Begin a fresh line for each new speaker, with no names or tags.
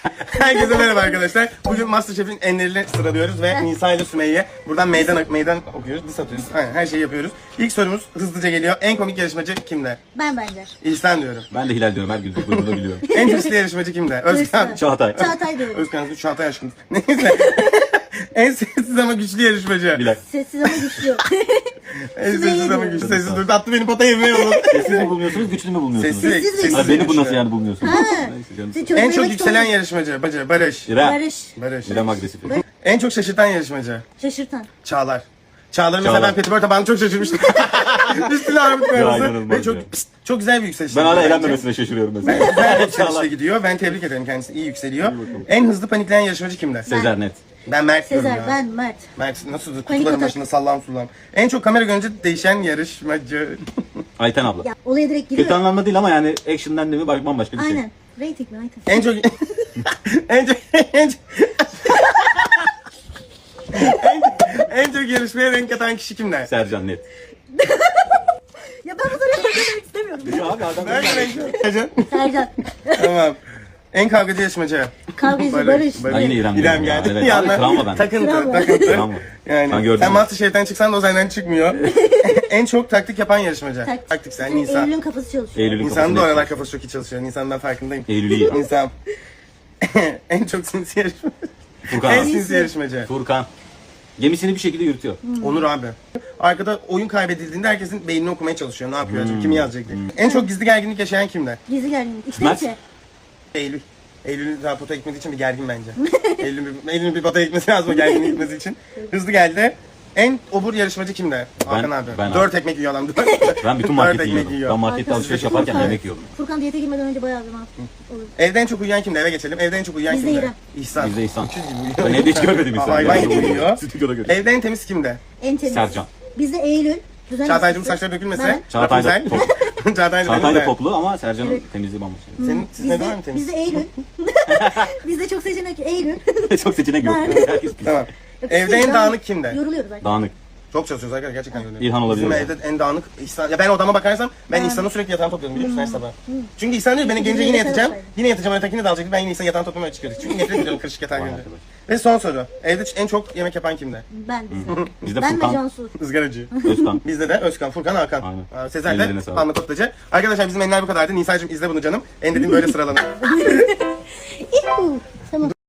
Herkese merhaba arkadaşlar. Bugün Masterchef'in enlerini sıralıyoruz ve Nisa ile Sümeyye buradan meydan okuyoruz, diss atıyoruz. Aynen, her şeyi yapıyoruz. İlk sorumuz hızlıca geliyor. En komik yarışmacı kimde?
Ben bence.
İhsan diyorum.
Ben de Hilal diyorum. Her gün bunu biliyorum.
En hırslı yarışmacı kimde? Özkan.
Çağatay.
Çağatay diyorum.
Özkan, Çağatay aşkım. Neyse. En sessiz ama güçlü yarışmacı.
Bilal.
Sessiz ama güçlü.
En sessiz ama güçlü. Sessiz durdu. Attı beni potaya yemeğe oldu.
Sessiz mi bulmuyorsunuz, güçlü mü bulmuyorsunuz?
Sessiz.
Ha, beni bu nasıl yani bulmuyorsunuz? Neyse canım.
Siz
En çok
çözmemek
yükselen
zorunda-
yarışmacı. Barış.
İrem.
Barış.
İrem agresif.
En çok şaşırtan yarışmacı.
Şaşırtan.
Çağlar. Çağlar mesela
Çağlar.
ben petibör tabağını çok şaşırmıştım. Üstüne armut koyması.
inanılmaz
Ve çok,
ya.
çok güzel bir yükseliş.
Ben hala
bence.
eğlenmemesine şaşırıyorum mesela.
Güzel bir yükselişle gidiyor. Ben tebrik ederim kendisi. İyi yükseliyor. En hızlı panikleyen yarışmacı kimde?
Sezer net.
Ben Mert diyorum
Sezer,
ya.
ben Mert.
Mert nasıl
Panik
kutuların
atak.
başında sallam sullam. En çok kamera görünce değişen yarışmacı.
Ayten abla.
Ya olaya direkt
Kötü
giriyor.
anlamda değil ama yani action'dan değil mi bambaşka bir şey.
Aynen. Rating mi? Rating.
En çok en çok en çok yarışmaya renk katan kişi kimler?
Sercan net.
Ya ben bu soruyu söylemek istemiyorum.
Ya abi adam
Nerede renk katacağım?
Sercan.
Tamam. En kavgacı yarışmacı.
Kavgacı Barış.
Ben yine İrem
İrem
diyorum ya.
geldi.
Evet,
Yanına
abi, travma bende.
Takıntı.
Travma.
Yani
Ben gördüm.
sen Masterchef'ten çıksan da o senden çıkmıyor. En çok taktik yapan yarışmacı. Taktik sen Nisan.
Eylül'ün kafası çalışıyor.
Eylül'ün
Nisan'ın da
kafası
oralar
net.
kafası çok iyi çalışıyor. Nisan'dan ben farkındayım.
Eylül'ü iyi.
Nisan. En çok sinsi yarışmacı.
Furkan
En
abi.
sinsi yarışmacı.
Furkan. Gemisini bir şekilde yürütüyor.
Onur abi. Arkada oyun kaybedildiğinde herkesin beynini okumaya çalışıyor. Ne yapıyor acaba? Kimi yazacak diye. En çok gizli gerginlik yaşayan kimler?
Gizli gerginlik. İçten
Mert.
içe.
Eylül. Eylül'ün daha potaya gitmediği için bir gergin bence. Eylül'ün bir potaya gitmesi lazım o gerginliğe gitmesi için. Hızlı geldi. En obur yarışmacı kimde? Hakan abi.
ben
4 ekmek yiyor adam.
Ben bütün
Dört
marketi
ekmek
yiyordum.
yiyor.
Ben markette alışveriş yaparken
Furkan-
yemek yiyordum.
Furkan diyete girmeden önce bayağı zaman olur.
Evde en çok uyuyan kimde? Eve geçelim. Evde en çok uyuyan
Bizde
kimde?
İrem.
İhsan.
Bizde İhsan.
Öküz gibi uyuyor.
Ben evde hiç görmedim insanı.
Hayvan gibi uyuyor.
Stüdyoda görüyorum.
Evde en temiz kimde?
En temiz.
Sercan.
Bizde Eylül. Düzen
Çağatay'cığım
hastası.
saçları dökülmese.
Ben.
Çağatay da
Rapunzel.
top.
Çağatay
Çağatay da
da
toplu ama Sercan'ın temizliği bambaşka.
Senin, siz ne var mı temiz?
Bizde Eylül. Bizde çok seçenek Eylül.
Çok seçenek yok.
Ben-
Herkes pis.
Tamam. Evde en dağınık kimde?
Yoruluyoruz zaten.
Dağınık.
Çok çalışıyoruz arkadaşlar gerçekten yoruluyoruz.
İlhan olabilir
Bizim
mi?
evde en dağınık İhsan. Ya ben odama bakarsam ben İhsan'ın sürekli yatağını topluyorum biliyor musun her sabah. Çünkü İhsan diyor beni gelince yine yatacağım. Yine yatacağım ötekini de alacak. Ben yine İhsan yatağını toplamaya çıkıyoruz. Çünkü nefret ediyorum kırışık yatağı
Vay
görünce.
arkadaş.
Ve son soru. Evde en çok yemek yapan kimde?
Ben bizde.
Bizde
Ben ve
Furkan,
Cansu.
Izgaracı.
Özkan.
Bizde de Özkan, Furkan, Hakan.
Aynen.
Sezer de
Ellerine sağlık.
Anla Kotlacı. Arkadaşlar bizim enler bu kadardı. Nisa'cığım izle bunu canım. En dediğim böyle sıralanır.
İhu.